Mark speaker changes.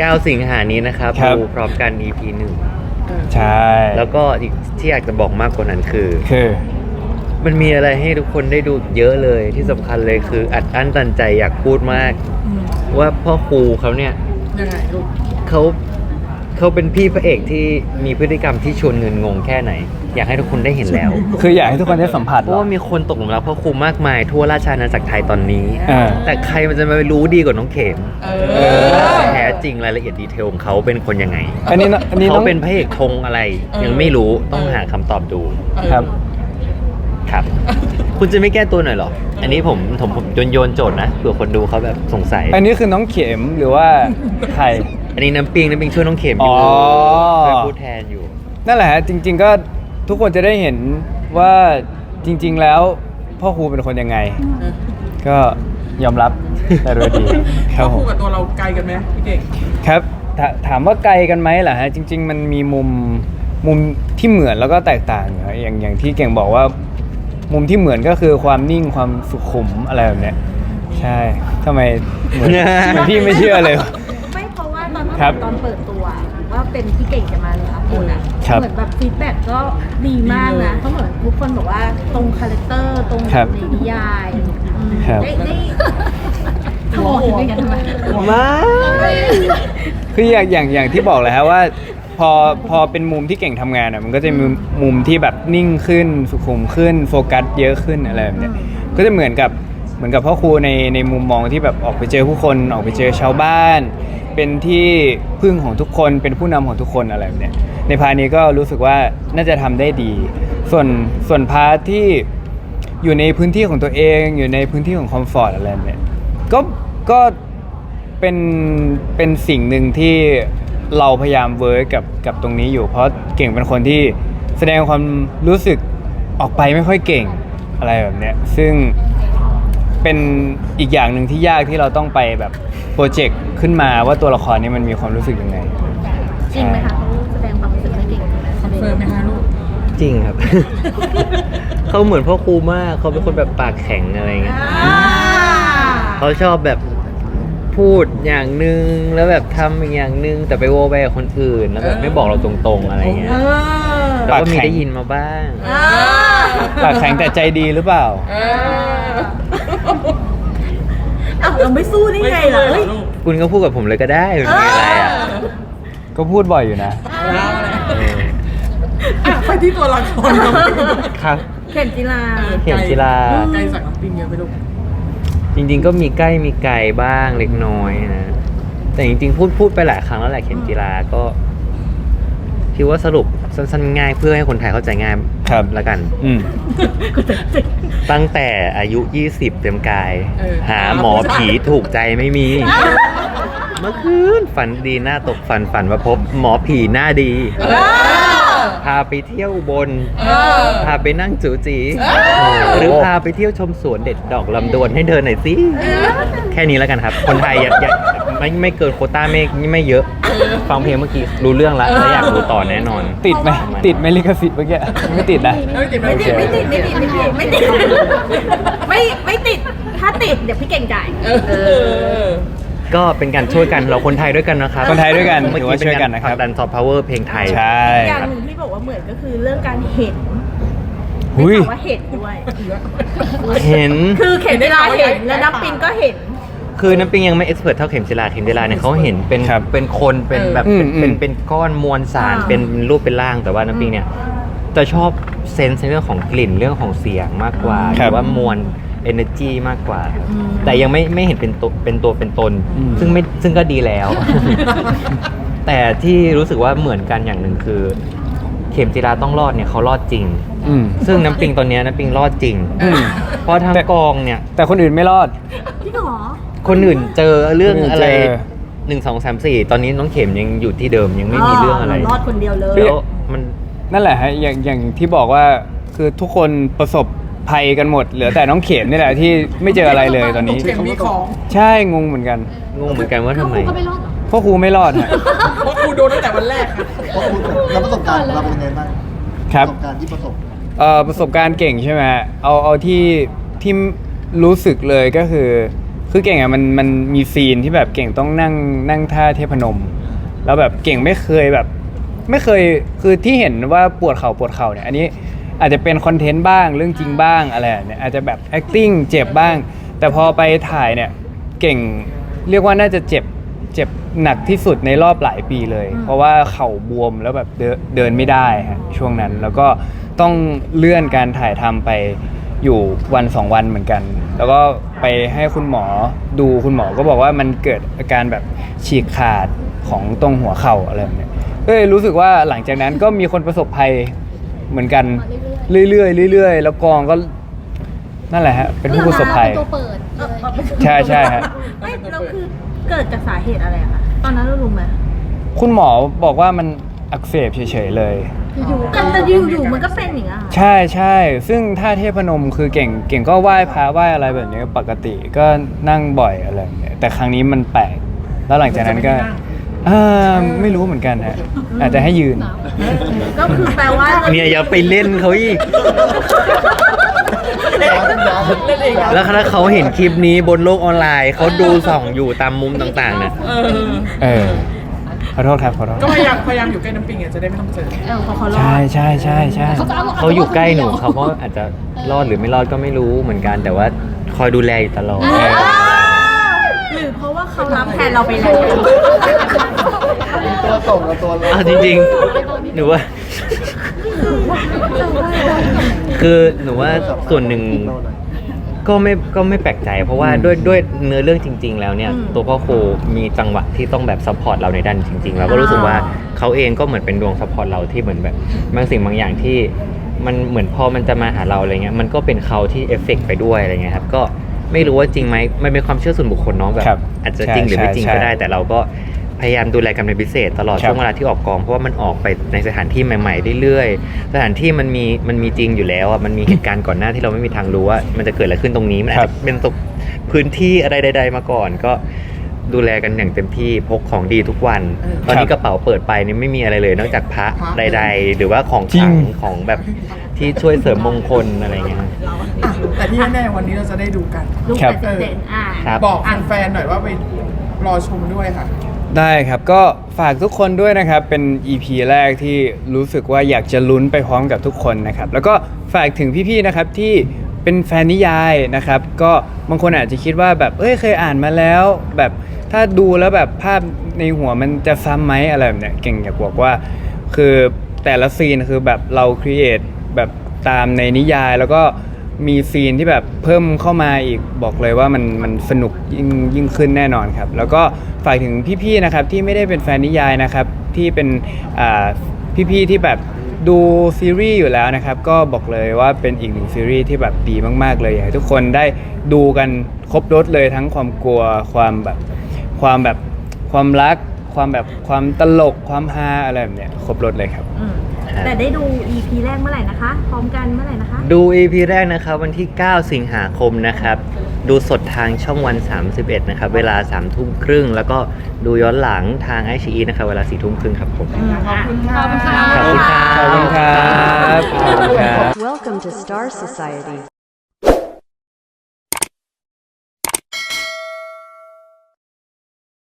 Speaker 1: 9 สิงหานี้นะครับ
Speaker 2: ครับ
Speaker 1: ดูพร้อมกัน EP
Speaker 2: ใช่
Speaker 1: 1แล้วก็อีกที่อยากจะบอกมากกว่านั้นคือ
Speaker 2: คือ
Speaker 1: มันมีอะไรให้ทุกคนได้ดูเยอะเลยที่สำคัญเลยคืออัดอั้นตันใจอยากพูดมาก ว่าพ่อครูเขาเนี่ย
Speaker 3: ยังไงลูก
Speaker 1: เขาเป็นพี่พระเอกที่มีพฤติกรรมที่ชวนเงินงงแค่ไหน อยากให้ทุกคนได้เห็นแล้ว
Speaker 2: คืออยากให้ทุกคนได้สัมผัส
Speaker 1: เพราะว่ามีคนตกหลุมรักพ่อครูมากมายทั่วราชอาณาจักรไทยตอนนี้
Speaker 2: อ่า
Speaker 1: แต่ใครมันจะมารู้ดีกว่าน้องเข็ม
Speaker 3: เออ
Speaker 1: แท้จริงรายละเอียดดีเทลของเขาเป็นคนยังไง
Speaker 2: อันนี้น้
Speaker 1: เขา
Speaker 2: อง
Speaker 1: เป็นพระเอกธงอะไร ยังไม่รู้ต้องหาคำตอบดู
Speaker 2: ครับ
Speaker 1: ครับ คุณจะไม่แก้ตัวหน่อยเหรอ อันนี้ผมโยนโจทย์นะเผื่อคนดูเขาแบบสงสัย
Speaker 2: อันนี้คือน้องเข็มหรือว่าใคร
Speaker 1: อันนี้น้ำปิงช่วยน้องเข็มอยู่
Speaker 2: อ๋อ
Speaker 1: ช่วยพูดแทนอยู่
Speaker 2: นั่นแหละฮะจริง ๆ ก็ทุกคนจะได้เห็นว่าจริง ๆ แล้วพ่อครูเป็นคนยังไง ก็ยอมรับแต่โดยดีครับผ
Speaker 3: คู่
Speaker 2: ม
Speaker 3: กับตัวเราไกลกันไหมพี่เก่ง
Speaker 2: ครับถามว่าไกลกันไหมล่ะฮะจริง ๆ มันมีมุมที่เหมือนแล้วก็แตกต่างอยู่ฮะอย่างที่เก่งบอกว่า มุมที่เหมือนก็คือความนิ่งความสุขุมอะไรแบบเนี้ยใช่ทำไมเหมือน พี่ไม่เชื่อเลย
Speaker 4: ไม่เพราะว่าตอน
Speaker 2: ครับ
Speaker 4: ตอนเปิดตัวว่าเป็นพี่เก่งจะมาเลยครับคุณอ่ะ
Speaker 2: ครับ
Speaker 4: เหมือนแบบฟีดแบ็กก็ดีมากนะเพราะเหมือนทุกคนบอกว่าตรงคาแรคเตอร์ตรง
Speaker 2: ครับ
Speaker 4: ในนิยายอืม
Speaker 2: ครับ
Speaker 4: ได้ทำอะไรกันทำไม
Speaker 1: มา
Speaker 2: คืออย่างที่บอกเลยฮะว่าพอเป็นมุมที่เก่งทำงานอ่ะมันก็จะมีมุมที่แบบนิ่งขึ้นสุขุมขึ้นโฟกัสเยอะขึ้นอะไรแบบเนี้ยก็จะเหมือนกับพ่อครูในมุมมองที่แบบออกไปเจอผู้คนออกไปเจอชาวบ้าน เป็นที่พึ่งของทุกคนเป็นผู้นำของทุกคนอะไรแบบเนี้ยในพาร์ทนี้ก็รู้สึกว่าน่าจะทำได้ดี ส่วนพาร์ทที่อยู่ในพื้นที่ของตัวเองอยู่ในพื้นที่ของคอมฟอร์ตอะไรแบบเนี้ยก็เป็นสิ่งหนึ่งที่เราพยายามเวิร์กกับตรงนี้อยู่เพราะเก่งเป็นคนที่แสดงความรู้สึกออกไปไม่ค่อยเก่งอะไรแบบเนี้ยซึ่งเป็นอีกอย่างหนึ่งที่ยากที่เราต้องไปแบบโปรเจกต์ขึ้นมาว่าตัวละครนี้มันมีความรู้สึกยังไง
Speaker 4: จริงไหมคะเขาแสดงความรู้สึกไม่เก่ง
Speaker 3: คอนเฟิร์มไหมคะลูก
Speaker 1: จริงครับ เขาเหมือนพ่อครูมากเขาเป็นคนแบบปากแข็งอะไรเงี้ยเขาชอบแบบพูดอย่างหนึ่งแล้วแบบทำอีกอย่างหนึ่งแต่ไปโวไปกับคนอื่นแล้วแบบไม่บอกเราตรงๆอะไรเงี้ยแต่ก็มีได้ยินมาบ้าง
Speaker 2: ปากแข็งแต่ใจดีหรือเปล่า
Speaker 4: อ้าวเราไม่สู้ได้ไงล่ะเฮ้ย
Speaker 1: คุณก็พูดกับผมเลยก็ได้เป็นไงอะไรอ่ะ
Speaker 2: ก็พูดบ่อยอยู่นะ
Speaker 3: ไปที่ตัวละครเรา
Speaker 1: ครับ
Speaker 4: เข็มจีรา
Speaker 1: เข็มจีรา
Speaker 3: ไกลจากน้ำปิงเยอะไปลูก
Speaker 1: จริงๆก็มีใกล้มีไกลบ้างเล็กน้อยนะแต่จริงๆพูดไปหลายครั้งแล้วแหละเข็มจีราก็คิดว่าสรุปสั้นๆง่ายเพื่อให้คนไทยเข้าใจง่าย
Speaker 2: ครับ
Speaker 1: แล้วกัน
Speaker 2: อืม
Speaker 1: ตั้งแต่อายุ 20 เต็มกาย
Speaker 3: เออ
Speaker 1: หาหมอผีถูกใจไม่มี เมื่อคืนฝันดีหน้าตกฝันว่าพบหมอผีหน้าดี พาไปเที่ยวอุบน พาไปนั่งจูจีหรือพาไปเที่ยวชมสวนเด็ดดอกลำดวนให้เดินหน่อยสิแค่นี้แล้วกันครับ คนไทยอย่าไม่เกินโควต้าไม่เยอะ ฟังเพลงเมื่อกี้รู้เรื่องแล้วและอยากรู้ต่อแน่นอน
Speaker 2: ติดไหมติดไหมลิขสิทธิ์เมื่อกี้ไม่ติดนะ
Speaker 3: ไม่ติด
Speaker 4: ไม่ติด
Speaker 2: โอ
Speaker 4: ไม่
Speaker 2: เค
Speaker 4: ติดไม่ติดไม่ติดไม่ติดถ้าติดเดี๋ยวพี่เก่งจ่าย
Speaker 1: ก็เป็นการช่วยกันเราคนไทยด้วยกันนะครับ
Speaker 2: คนไทยด้วยกัน
Speaker 1: เมื่อ
Speaker 2: ถือ
Speaker 1: กี้
Speaker 2: ว่า
Speaker 1: เป็น
Speaker 2: ช่วยกั
Speaker 1: กาน ร
Speaker 2: นะ
Speaker 1: ผ
Speaker 2: ค
Speaker 1: ลั
Speaker 2: รั
Speaker 1: ก
Speaker 2: บ
Speaker 1: ดันซอฟต์พาวเวอร์เพลงไทย
Speaker 2: ใช่
Speaker 4: อย่างหนึ่งที่บอกว่าเหมือนก็คือเรื่องการเห็น
Speaker 2: หุย
Speaker 4: ไม่ถามว่าเห็นด้วย
Speaker 1: เห็น
Speaker 4: คือเข็มจีราเห็นและน้ำปิงก็เห็น
Speaker 1: คือน้ำปิงยังไม่เอ็กซ์เพรสเท่าเข็มจิราเนี่ยเขาเห็นเป็น
Speaker 2: ครับ
Speaker 1: เป็นคนเป็นแบบ
Speaker 2: อืม
Speaker 1: เป็นก้อนมวลสาร
Speaker 4: อ่า
Speaker 1: เป็นรูปเป็นร่างแต่ว่าน้ำปิงเนี่ยจะชอบเซนส์ในเรื่องของกลิ่นเรื่องของเสียงมากกว่าห
Speaker 2: ครับ
Speaker 1: รือว่ามวล energy มากกว่า แต่ยังไม่เห็นเป็นตัวเป็นตน
Speaker 2: อืม
Speaker 1: ซึ่งก็ดีแล้ว แต่ที่รู้สึกว่าเหมือนกันอย่างหนึ่งคือ เข็มจิราต้องรอดเนี่ยเขารอดจริง
Speaker 2: อืม
Speaker 1: ซึ่งน้ำปิงตอนเนี้ยน้ำปิงรอดจริง
Speaker 2: อืม
Speaker 1: เพราะทางกองเนี่ย
Speaker 2: แต่คนอื่นไม่รอด
Speaker 4: พี่หรอ
Speaker 1: คนอื่นเจอเรื่องอะไร
Speaker 2: เจอ
Speaker 1: 1 2 3 4 ตอนนี้น้องเข็มยังอยู่ที่เดิมยังไม่มีเรื่องอะไร
Speaker 4: รอดคนเดียวเลย
Speaker 1: แล้วมัน
Speaker 2: นั่นแหละฮะอย่างที่บอกว่าคือทุกคนประสบภัยกันหมด เหลือแต่น้องเข็มนี่แหละที่ไม่เจออะไรเลยตอนนี้
Speaker 3: เข็มมีของ
Speaker 2: ใช่งงเหมือนกัน
Speaker 1: งงเหมือนกันว่าทำไม
Speaker 2: พ่อครูไม่รอดฮะ
Speaker 3: เพราะครูโดนตั้งแต่วันแรกค่ะ
Speaker 5: เพราะคุณแล้วประสบการณ์เราเป็นยังไงบ้าง
Speaker 2: ครับ
Speaker 5: ประสบการณ์ที่ประสบ
Speaker 2: ประสบการณ์เก่งใช่ไหมฮะเอาที่รู้สึกเลยก็คือคือเก่งอ่ะมันมีซีนที่แบบเก่งต้องนั่งท่าเทพนม แล้วแบบเก่งไม่เคยคือที่เห็นว่าปวดเข่าเนี่ยอันนี้อาจจะเป็นคอนเทนต์บ้างเรื่องจริงบ้างอะไรเนี่ยอาจจะแบบ acting เจ็บบ้าง แต่พอไปถ่ายเนี่ยเก่งเรียกว่าน่าจะเจ็บหนักที่สุดในรอบหลายปีเลย เพราะว่าเข่าบวมแล้วแบบเดินไม่ได้ฮะช่วงนั้นแล้วก็ต้องเลื่อนการถ่ายทำไปอยู่วัน2 วันเหมือนกัน แล้วก็ไปให้คุณหมอดูคุณหมอก็บอกว่ามันเกิดอาการแบบฉีกขาดของตรงหัวเข่าอะไรแบบเนี้ยก็เลยรู้สึกว่าหลังจากนั้นก็มีคนประสบภัยเหมือนกันเรื่อยๆแล้วกองก็นั่นแหละฮะเป็นผู้ประสบภัย
Speaker 6: ตัวเปิดเลย
Speaker 2: ใช่ฮะ
Speaker 4: ไม่แล้วคือเกิดจากสาเหตุอะไรอะคะตอนนั้นเรารู้ไหม
Speaker 2: คุณหมอบอกว่ามันอักเสบเฉยๆเลย
Speaker 4: แต่อยู่มันก็เป็นอย่างเงี้ย
Speaker 2: ใช่ซึ่งท่าเทพนมคือเก่งก็ไหว้พระไหว้อะไรแบบนี้ปกติก็นั่งบ่อยอะไรแบบนี้แต่ครั้งนี้มันแปลกแล้วหลังจากนั้นก็ไม่รู้เหมือนกันฮะอาจจะให้ยืน
Speaker 4: ก็คือแปลว่า
Speaker 1: เนี่ยอย่าไปเล่นเขาอีก แล้วถ้าเขาเห็นคลิปนี้บนโลกออนไลน์เขาดูส่องอยู่ตามมุมต่างๆเนี่ย
Speaker 2: ขอโทษครับขอโทษ
Speaker 3: ก็พยายามอยู่ใกล้น้ำปิงอ่ะจะได้ไม่ต้องเจอ
Speaker 4: พอเขารอด
Speaker 2: ใช่
Speaker 1: เขาอยู่ใกล้หนูเขาก็อาจจะรอดหรือไม่รอดก็ไม่รู้เหมือนกัน แต่ว่าคอยดูแลอยู่ตลอด
Speaker 4: หรือเพราะว่าเขารับแทนเราไปแล้ว
Speaker 5: ตัวส่งกับตัวรับ
Speaker 1: จริงๆหนูว่า คือหนูว่าส่วนหนึ่งก็ไม่แปลกใจ เพราะว่าด้วยเนื้อเรื่องจริง ๆ แล้วเนี่ยตัวพ่อครูมีจังหวะที่ต้องแบบซัพพอร์ตเราในด้านจริงๆเราก็รู้สึกว่าเขาเองก็เหมือนเป็นดวงซัพพอร์ตเราที่เหมือนแบบบางสิ่งบางอย่างที่มันเหมือนพอมันจะมาหาเราอะไรเงี้ยมันก็เป็นเขาที่เอฟเฟกต์ไปด้วยอะไรเงี้ยครับก็ไม่รู้ว่าจริงไหมมันเป็นความเชื่อส่วนบุคคลเนาะแบบอาจจะจริงหรือไม่จริงก็ได้ แต่เราก็พยายามดูแลกันเป็นพิเศษตลอดช่วงเวลาที่ออกกองเพราะว่ามันออกไปในสถานที่ใหม่ๆเรื่อยๆสถานที่มันมีจริงอยู่แล้วอ่ะมันมีเหตุการณ์ก่อนหน้าที่เราไม่มีทางรู้ว่ามันจะเกิดอะไรขึ้นตรงนี้มันอาจจะเป็นพื้นที่อะไรใดๆมาก่อนก็ดูแลกันอย่างเต็มที่พกของดีทุกวันตอนนี้กระเป๋าเปิดไปนี่ไม่มีอะไรเลยนอกจากพระใดๆหรือว่าของขลังของแบบที่ช่วยเสริมมงคลอะไรเงี้ย
Speaker 3: แต่ที่แน่ๆวันนี้เราจะได้ดูกัน
Speaker 4: ลูกเป็ดเด่น
Speaker 1: ครับ
Speaker 3: บอกแฟนๆหน่อยว่าไปรอชมด้วยค่ะ
Speaker 2: ได้ครับก็ฝากทุกคนด้วยนะครับเป็น EP แรกที่รู้สึกว่าอยากจะลุ้นไปพร้อมกับทุกคนนะครับแล้วก็ฝากถึงพี่ๆนะครับที่เป็นแฟนนิยายนะครับก็บางคนอาจจะคิดว่าแบบเคยอ่านมาแล้วแบบถ้าดูแล้วแบบภาพในหัวมันจะซ้ำไหมอะไรแบบเนี้ยเก่งอยากบอกว่าคือแต่ละซีนคือแบบเราครีเอทแบบตามในนิยายแล้วก็มีซีนที่แบบเพิ่มเข้ามาอีกบอกเลยว่ามันสนุกยิ่งขึ้นแน่นอนครับแล้วก็ฝากถึงพี่ๆนะครับที่ไม่ได้เป็นแฟนนิยายนะครับที่เป็นพี่ๆที่แบบดูซีรีส์อยู่แล้วนะครับก็บอกเลยว่าเป็นอีกหนึ่งซีรีส์ที่แบบดีมากๆเลยอยากให้ทุกคนได้ดูกันครบรสเลยทั้งความกลัวความรักความตลกความฮาอะไรแบบเนี้ยครบรสเลยครับ
Speaker 4: แต่ได้ดู EP แรกเมื่อไหร่นะคะ พร้อมกันเมื่อไหร่นะคะ
Speaker 1: ดู EP แรกนะครับวันที่ 9 สิงหาคมนะครับดูสดทางช่องวัน 31 นะครับเวลา 3 ทุ่มครึ่งแล้วก็ดูย้อนหลังทางiQIYIนะครับเวลา 4 ทุ่มครึ่งครับผม
Speaker 3: ขอบคุณค่ะ
Speaker 1: ขอบคุณครับ
Speaker 2: ขอบคุณครับ
Speaker 7: Welcome to Star Society.